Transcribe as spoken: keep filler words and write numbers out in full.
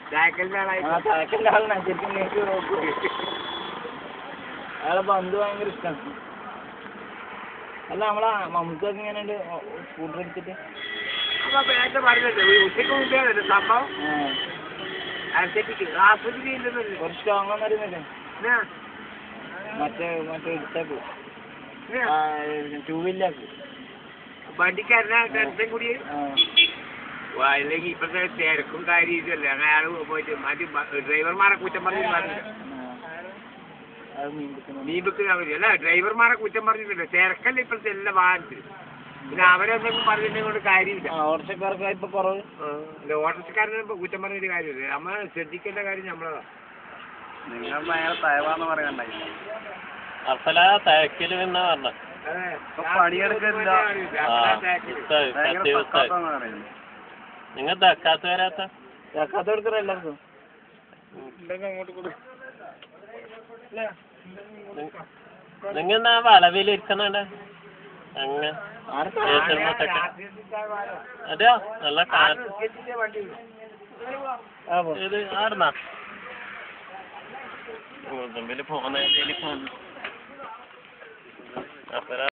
ചായക്കലിന്റെ ആളാണ് ശരിക്കും നേരിട്ട് നോക്കൂ. അയാളെ പന്ത് ഭയങ്കര ഇഷ്ടമാണ്. അല്ല നമ്മളെ മമ്മൂക്കൊക്കെ ഇങ്ങനെ സ്കൂട്ടർ എടുത്തിട്ട് സംഭവം കുറച്ച് സ്ട്രോങ് ഒന്നും അറിയുന്നില്ലേ മറ്റേ മറ്റേ എടുത്തേക്ക് ടൂ വീലർക്ക് വണ്ടിക്കാരനെ കൂടി അല്ലെങ്കിൽ ഇപ്പോഴത്തെ തിരക്കും കാര്യം ഇതല്ലേ അങ്ങനെ അയാൾ പോയിട്ട് മറ്റു ഡ്രൈവർമാരെ കുറ്റം പറഞ്ഞു നീബക്ക് അല്ല ഡ്രൈവർമാരെ കുറ്റം പറഞ്ഞിട്ടില്ല തിരക്കല്ല ഇപ്പോഴത്തെ എല്ലാ വാഹനത്തിൽ പിന്നെ അവരെന്തെങ്കിലും പറഞ്ഞിട്ടുണ്ടെങ്കിൽ കൊണ്ട് കാര്യമില്ല. ഓട്ടോക്കാർക്ക് ഇപ്പൊ കുറവ് അല്ല ഓട്ടോക്കാരനെ ഇപ്പൊ കുറ്റം പറഞ്ഞിട്ട് കാര്യമില്ല. നമ്മൾ ശ്രദ്ധിക്കേണ്ട കാര്യം നമ്മളതാ. നിങ്ങൾ ഭയങ്കര തയവാന്ന് പറയണ്ടായി തയക്കല് എന്നാ പറഞ്ഞ പണിയെടുക്കില്ല നിങ്ങൾ തക്കാത്ത വരാത്ത തക്കാത്ത കൊടുക്കറ എല്ലാവർക്കും നിങ്ങ എന്നാ വളവിലിരിക്കണ അങ്ങനെ അതെയോ നല്ല ഇത് ആടുന്നാ മുതമ്പില് പോന്ന പോന്ന